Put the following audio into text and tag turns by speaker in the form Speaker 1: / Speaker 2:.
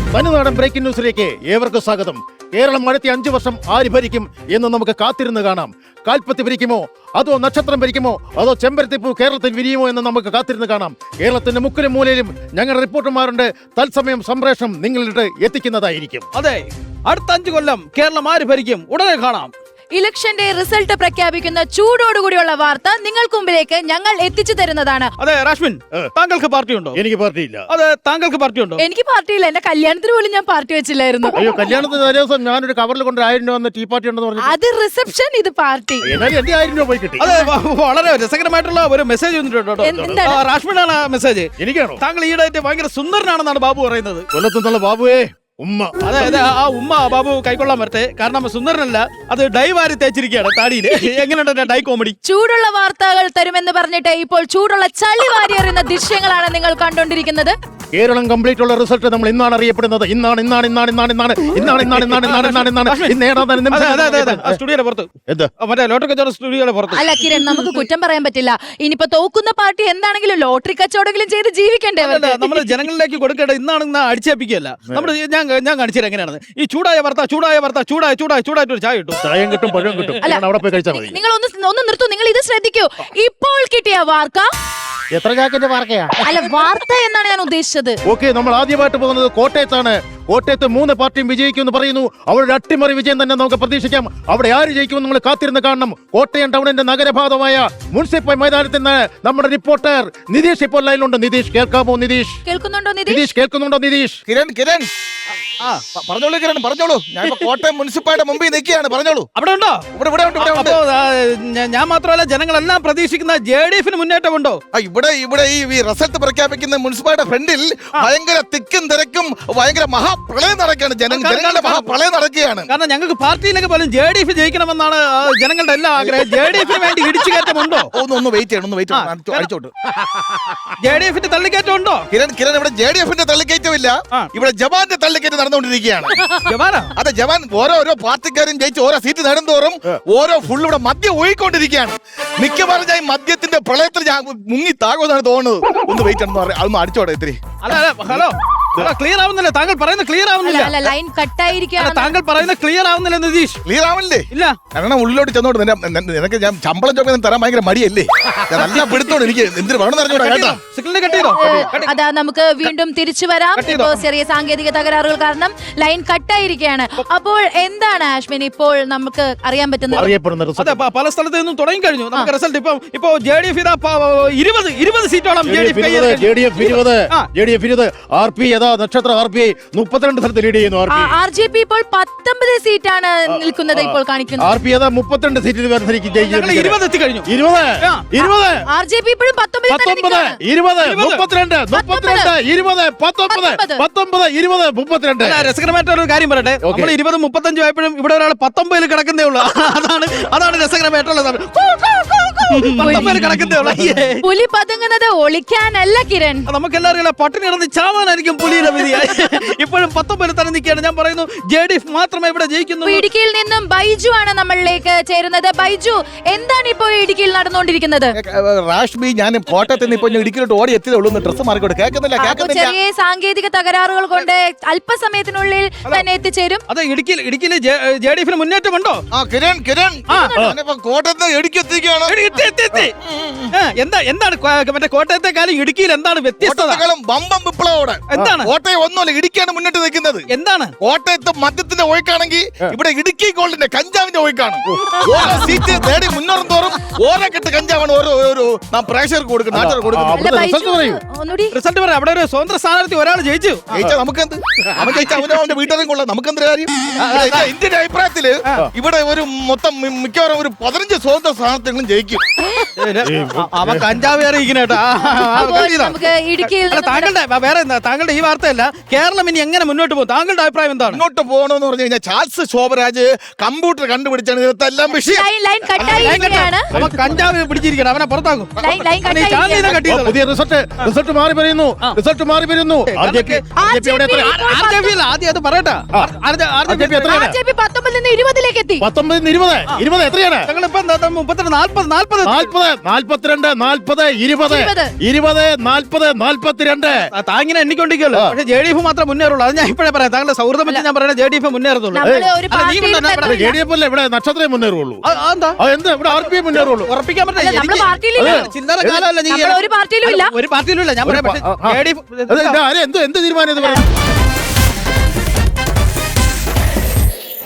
Speaker 1: തനിനാടൻ breaking ന്യൂസിലേക്ക് ഏവർക്കും സ്വാഗതം. കേരളം അടുത്ത 5 വർഷം ആര് ഭരിക്കും എന്ന് നമുക്ക് കാത്തിരുന്ന് കാണാം. കാൽപ്പത്തി ഭരിക്കുമോ, അതോ നക്ഷത്രം ഭരിക്കുമോ, അതോ ചെമ്പരത്തിപ്പൂ കേരളത്തിൽ വിരിയുമോ എന്ന് നമുക്ക് കാത്തിരുന്ന് കാണാം. കേരളത്തിന്റെ മുക്കിലും മൂലയിലും ഞങ്ങളുടെ റിപ്പോർട്ടർമാരുണ്ട്. തത്സമയം സംപ്രേഷണം നിങ്ങളിട്ട് എത്തിക്കുന്നതായിരിക്കും.
Speaker 2: അതെ, അടുത്ത 5 കൊല്ലം കേരളം ആര് ഭരിക്കും ഉടനെ കാണാം.
Speaker 3: ഇലക്ഷന്റെ റിസൾട്ട് പ്രഖ്യാപിക്കുന്ന ചൂടോടുകൂടിയുള്ള വാർത്ത നിങ്ങൾക്ക് മുമ്പിലേക്ക് ഞങ്ങൾ എത്തിച്ചു തരുന്നതാണ്.
Speaker 2: അതെ രാഷ്മിൻ, താങ്കൾക്ക് പാർട്ടിയുണ്ടോ?
Speaker 1: എനിക്ക് പാർട്ടിയില്ല.
Speaker 2: അതെ, താങ്കൾക്ക് പാർട്ടിയുണ്ടോ?
Speaker 3: എനിക്ക് പാർട്ടിയില്ല. എന്റെ കല്യാണത്തിന് പോലും ഞാൻ പാർട്ടി വെച്ചില്ലായിരുന്നു.
Speaker 1: അയ്യോ, കല്യാണത്തിന് തലേ ദിവസം ഞാനൊരു കവറിൽ കൊണ്ട് 1000 രൂപ വന്ന ടീ പാർട്ടി ഉണ്ടെന്ന് പറഞ്ഞു.
Speaker 3: അത് റിസപ്ഷൻ, ഇത് പാർട്ടി.
Speaker 1: എന്നാലും എന്റെ 1000 രൂപ പോയി കിട്ടി.
Speaker 2: അതെ, വളരെ രസകരമായിട്ടുള്ള ഒരു മെസ്സേജ് വന്നിട്ടുണ്ട്. രാഷ്മിനാണ് മെസ്സേജ്.
Speaker 1: എനിക്കാണോ?
Speaker 2: താങ്കൾ ഈടായിട്ട് ഭയങ്കര സുന്ദരനാണെന്നാണ് ബാബു പറയുന്നത്.
Speaker 1: കൊല്ലത്തുനിന്നുള്ള ബാബുവേ ഉമ്മ.
Speaker 2: അതെ അതെ, ആ ഉമ്മ ബാബു കൈക്കൊള്ളാൻ വരട്ടെ. കാരണം സുന്ദരനല്ല, അത് ഡൈ വാരി തേച്ചിരിക്കുകയാണ് താടിയിൽ. എങ്ങനെയുണ്ട് ഡൈ കോമഡി?
Speaker 3: ചൂടുള്ള വാർത്തകൾ തരുമെന്ന് പറഞ്ഞിട്ട് ഇപ്പോൾ ചൂടുള്ള ചളി വാരി എറിയുന്ന ദൃശ്യങ്ങളാണ് നിങ്ങൾ കണ്ടുകൊണ്ടിരിക്കുന്നത്.
Speaker 1: കേരളം കംപ്ലീറ്റ് ഉള്ള റിസൾട്ട് നമ്മൾ ഇന്നാണ് അറിയപ്പെടുന്നത്.
Speaker 2: സ്റ്റുഡിയോയുടെ പുറത്ത്
Speaker 1: എന്താ
Speaker 2: മറ്റേ ലോട്ടറി കച്ചവടം സ്റ്റുഡിയോയുടെ പുറത്ത്.
Speaker 3: അല്ല കിരൺ, നമുക്ക് കുറ്റം പറയാൻ പറ്റില്ല. ഇനിയിപ്പോ തോക്കുന്ന പാർട്ടി എന്താണെങ്കിലും ലോട്ടറി കച്ചവടമെങ്കിലും ചെയ്ത് ജീവിക്കണ്ടേ?
Speaker 2: നമ്മൾ ജനങ്ങളിലേക്ക് കൊടുക്കേണ്ട ഇന്നാണ് അടിച്ചേപ്പിക്കുകയല്ല. നമ്മൾ ഞാൻ കാണിച്ചത് എങ്ങനെയാണ് ഈ ചൂടായ വാർത്ത ചൂടായിട്ട് ഒരു ചായ കിട്ടും.
Speaker 1: ചായം കിട്ടും, പഴം കിട്ടും. അവിടെ പോയി കഴിച്ചാൽ മതി.
Speaker 3: നിങ്ങൾ ഒന്ന് നിർത്തൂ. നിങ്ങൾ ഇത് ശ്രദ്ധിക്കൂ. ഇപ്പോൾ കിട്ടിയ വാർത്ത
Speaker 1: എത്ര ജാക്കറ്റ് വാർക്കയാ?
Speaker 3: അല്ല, വാർത്ത എന്നാണ് ഞാൻ ഉദ്ദേശിച്ചത്.
Speaker 1: ഓക്കെ, നമ്മൾ ആദ്യമായിട്ട് പോകുന്നത് കോട്ടയത്താണ്. കോട്ടയത്ത് 3 പാർട്ടിയും വിജയിക്കുമെന്ന് പറയുന്നു. അവരുടെ അട്ടിമറി വിജയം തന്നെ നമുക്ക് പ്രതീക്ഷിക്കാം. അവിടെ ആര് ജയിക്കുമെന്ന് നമ്മൾ കാത്തിരുന്ന് കാണണം. കോട്ടയം ടൗണിന്റെ നഗരഭാഗമായ മുനിസിപ്പൽ മൈതാനത്തിൽ നിന്ന് നമ്മുടെ റിപ്പോർട്ടർ നിതീഷ് ഇപ്പോൾ ലൈനിലുണ്ട്. നിതീഷ്, കേൾക്കാമോ? നിതീഷ്
Speaker 3: കേൾക്കുന്നുണ്ടോ?
Speaker 1: നിതീഷ് കേൾക്കുന്നുണ്ടോ? നിതീഷ്,
Speaker 4: കിരൺ പറഞ്ഞോളൂ കിരൺ, പറഞ്ഞോളൂ. ഞാൻ കോട്ടയം മുനിസിപ്പാലിറ്റി മുമ്പിൽ നിൽക്കുകയാണ്. പറഞ്ഞോളൂ.
Speaker 2: അവിടെ ഉണ്ടോ?
Speaker 4: ഇവിടെ ഉണ്ട്.
Speaker 2: ഞാൻ മാത്രമല്ല, ജനങ്ങളെല്ലാം പ്രതീക്ഷിക്കുന്ന JDF-ന് മുന്നേറ്റമുണ്ടോ?
Speaker 4: ഇവിടെ ഈ റിസൾട്ട് പ്രഖ്യാപിക്കുന്ന മുനിസിപ്പാലിറ്റി ഫ്രണ്ടിൽ ഭയങ്കര തിക്കും തിരക്കും, ഭയങ്കര മഹാപ്രളയം നടക്കുകയാണ്. ജനങ്ങളുടെ മഹാപ്രളയം നടക്കുകയാണ്.
Speaker 2: കാരണം ഞങ്ങൾക്ക് പാർട്ടിയിലേക്ക് പോലും JDF ജയിക്കണമെന്നാണ് ജനങ്ങളുടെ എല്ലാ ആഗ്രഹം. JDF-ന് വേണ്ടി ഇടിച്ചു കയറ്റമുണ്ടോ?
Speaker 4: ഒന്ന് വെയിറ്റ് ചെയ്യണം. അടിച്ചോട്ട്.
Speaker 2: JDF-ന്റെ തള്ളിക്കയറ്റം ഉണ്ടോ?
Speaker 4: കിരൺ, ഇവിടെ JDF-ന്റെ തള്ളിക്കയറ്റമില്ല, ഇവിടെ ജവാന്റെ തള്ളിക്കയറ്റം നടന്നുകൊണ്ടിരിക്കുകയാണ്. അതെ, ജവാൻ ഓരോ പാർട്ടിക്കാരും ജയിച്ച് ഓരോ സീറ്റ് നേടുന്തോറും ഓരോ ഫുൾ ഇവിടെ മദ്യം ഒഴുകിക്കൊണ്ടിരിക്കുകയാണ്. മിക്കവാറും ഞാൻ മദ്യത്തിന്റെ പ്രളയത്തിൽ ഞാൻ മുങ്ങി താകുമെന്നാണ് തോന്നുന്നത്. ഒന്ന് വെയിറ്റ് അതൊന്ന് അടിച്ചോട്ടെ ഇത്തിരി.
Speaker 2: അല്ല ഹലോ, ക്ലിയർ ആവുന്നില്ല. താങ്കൾ പറയുന്നത് ക്ലിയർ ആവുന്നില്ല.
Speaker 3: ലൈൻ കട്ടായിരിക്കുകയാണ്.
Speaker 2: താങ്കൾ പറയുന്നത് ക്ലിയർ ആവുന്നില്ല നിതീഷ്.
Speaker 4: ക്ലിയർ ആവുന്നില്ലേ?
Speaker 2: ഇല്ല.
Speaker 4: കാരണം ഉള്ളിലോട്ട് ചെന്നോട്ട് നിനക്ക് ഞാൻ ശമ്പളം ചോദിക്കാൻ തരാൻ ഭയങ്കര മടിയല്ലേ? നല്ല പിടുത്തോണ്ട് എനിക്ക് എന്തിനു വേണമെന്ന് അറിഞ്ഞോടാ കേട്ടോ.
Speaker 2: സിഗ്നൽ കട്ട് ചെയ്തോ?
Speaker 3: അതാ, നമുക്ക് വീണ്ടും തിരിച്ചു വരാം. ഇപ്പോ ചെറിയ സാങ്കേതിക തകരാറുകൾ കാരണം ലൈൻ കട്ടായിരിക്കുകയാണ്. അപ്പോൾ എന്താണ് ആഷ്മിൻ ഇപ്പോൾ നമുക്ക് അറിയാൻ പറ്റുന്നത്?
Speaker 2: അതെ, പല സ്ഥലത്ത് നിന്നും തുടങ്ങി കഴിഞ്ഞു നമുക്ക് റിസൾട്ട്. ഇപ്പോ JDF 20 സീറ്റോളം
Speaker 1: RP നക്ഷത്ര RP 32 സ്ഥലത്ത് ലീഡ് ചെയ്യുന്നു.
Speaker 3: RJP ഇപ്പോൾ 19 സീറ്റാണ് നിൽക്കുന്നത്. ഇപ്പോൾ കാണിക്കുന്നത്
Speaker 1: RP 32 സീറ്റിൽ മത്സരിക്കും.
Speaker 2: 20 എത്തി കഴിഞ്ഞു.
Speaker 1: 20
Speaker 3: RJP ഇപ്പോഴും 19
Speaker 1: 32 20
Speaker 2: രസകരമായിട്ട് ഒരു കാര്യം പറയട്ടെ. നമ്മൾ 20-35 ആയപ്പോഴും ഇവിടെ ഒരാൾ 19 കിടക്കുന്നേ ഉള്ളൂ. അതാണ് രസകരമായിട്ടുള്ളത്. 19 കിടക്കുന്നേ ഉള്ളൂ.
Speaker 3: പുലി പതുങ്ങുന്നത് ഒളിക്കാനല്ല കിരൺ.
Speaker 2: നമുക്കെല്ലാവരും പട്ടിണി കിടന്ന് ചാവാനായിരിക്കും പുലിയുടെ വിധി. ഇപ്പോഴും 19 തന്നെ നിൽക്കുകയാണ്. ഞാൻ പറയുന്നു JDF മാത്രമേ ഇവിടെ ജയിക്കുന്നു.
Speaker 3: ഇടുക്കിയിൽ നിന്നും ബൈജു ആണ് നമ്മളിലേക്ക് ചേരുന്നത്. ബൈജു, എന്താണ് ഇപ്പോൾ ഇടുക്കിയിൽ നടന്നുകൊണ്ടിരിക്കുന്നത്?
Speaker 4: റാഷ്മി, ഞാൻ കോട്ടയത്ത് നിന്ന് ഇപ്പൊ ഇടുക്കിയിലോട്ട് ഓടി എത്തിയതേ ഉള്ളൂ. ഡ്രസ് മാറിക്കോട്ടെ. കേൾക്കുന്നില്ല.
Speaker 3: ചെറിയ സാങ്കേതിക തകരാറുകൾ കൊണ്ട് അല്പസമയത്തിനുള്ളിൽ തന്നെ എത്തിച്ചേരും.
Speaker 2: അതെ, ഇടുക്കിയിൽ JDF-ന് മുന്നേറ്റമുണ്ടോ?
Speaker 4: കിരൺ കോട്ടയത്ത് ഇടുക്കി എത്തിക്കുകയാണ്.
Speaker 2: എന്താണ് മറ്റേ കോട്ടയത്തെക്കാളും ഇടുക്കിയിൽ എന്താണ് വ്യത്യസ്തത?
Speaker 4: ബമ്പം വിപ്ലവോടെ
Speaker 2: എന്താണ്?
Speaker 4: കോട്ടയം ഒന്നുമല്ല, ഇടുക്കിയാണ് മുന്നിട്ട് നിൽക്കുന്നത്.
Speaker 2: എന്താണ്?
Speaker 4: കോട്ടയത്ത് മദ്യത്തിന്റെ ഒഴുക്കാണെങ്കിൽ ഇവിടെ ഇടുക്കി ഗോൾഡിന്റെ കഞ്ചാവിന്റെ ഒഴുക്കാണ്. ഓരോ സീറ്റ് നേടി മുന്നോറും തോറും ഓരോ കെട്ട് കഞ്ചാവാണ് ഓരോ പ്രേക്ഷകർക്ക് കൊടുക്കുന്നത്, നാട്ടുകാർക്ക് കൊടുക്കുന്നത്.
Speaker 2: റിസൾട്ട് പറയാം. അവിടെ ഒരു സ്വതന്ത്ര സ്ഥാനാർത്ഥി ഒരാൾ ജയിച്ചു.
Speaker 4: നമുക്കെന്ത്? അവൻ ജയിച്ച അവന്റെ വീട്ടുകാരും കൊള്ളാം. നമുക്കെന്ത് കാര്യം? ഇന്ത്യയുടെ അഭിപ്രായത്തില് ഇവിടെ ഒരു മൊത്തം മിക്കവാറും ഒരു 15 സ്വതന്ത്ര സ്ഥാനാർത്ഥികളും ജയിക്കും.
Speaker 2: അവൻ കഞ്ചാവ് അറിയിക്കണേട്ടാ. താങ്കളുടെ ഈ വാർത്തയല്ല, കേരളം ഇനി എങ്ങനെ മുന്നോട്ട് പോകും? താങ്കളുടെ അഭിപ്രായം എന്താണ്?
Speaker 4: മുന്നോട്ട് പോകണമെന്ന് പറഞ്ഞു കഴിഞ്ഞാൽ ചാൾസ് ശോഭരാജ് കമ്പ്യൂട്ടർ കണ്ടുപിടിച്ചാണ് ഇതെല്ലാം വിഷയം.
Speaker 2: അവൻ കഞ്ചാവ് പിടിച്ചിരിക്കണം. അവനെ പുറത്താക്കും.
Speaker 1: പുതിയ റിസൾട്ട് മാറി വരുന്നു.
Speaker 2: ആദ്യം അത് പറയട്ടെ.
Speaker 3: 19 20 എത്രയാണ്?
Speaker 2: ഞങ്ങളിപ്പോ 32 40
Speaker 1: 42, 40, 20, 20, 40, 42.
Speaker 2: താങ്ങിനെ എണ്ണിക്കൊണ്ടിരിക്കുമല്ലോ. പക്ഷേ JDF മാത്രമേ മുന്നേറുള്ളൂ. അത് ഞാൻ ഇപ്പോഴേ പറയാം. താങ്കളുടെ സൗഹൃദം വെച്ച് ഞാൻ പറയുന്നത് JDF മുന്നേറത്തുള്ളൂ.
Speaker 3: നമ്മള് ഒരു
Speaker 2: അല്ല, നീ
Speaker 3: പാർട്ടിയിൽ
Speaker 2: കൊണ്ടുവന്ന
Speaker 3: നിന്ന്
Speaker 1: JDF അല്ലേ ഇവിടെ നക്ഷത്രമേ മുന്നേറുള്ളൂ.
Speaker 2: എന്താ
Speaker 1: എന്താ ഇവിടെ RPM മുന്നേറുള്ളൂ.
Speaker 2: ഉറപ്പിക്കാൻ
Speaker 3: അല്ല, നമ്മള്
Speaker 2: പറ്റില്ല.
Speaker 3: പാർട്ടിയിലില്ല.
Speaker 2: ചില്ലറ കാലമല്ല നീ.
Speaker 3: നമ്മള് ഒരു പാർട്ടിയിലും ഇല്ല.
Speaker 2: ഒരു പാർട്ടിയിലും ഇല്ല. ഞാൻ പറയാം. പക്ഷേ JDF
Speaker 1: എന്ത് തീരുമാനം ഇത് പറയുന്നത്?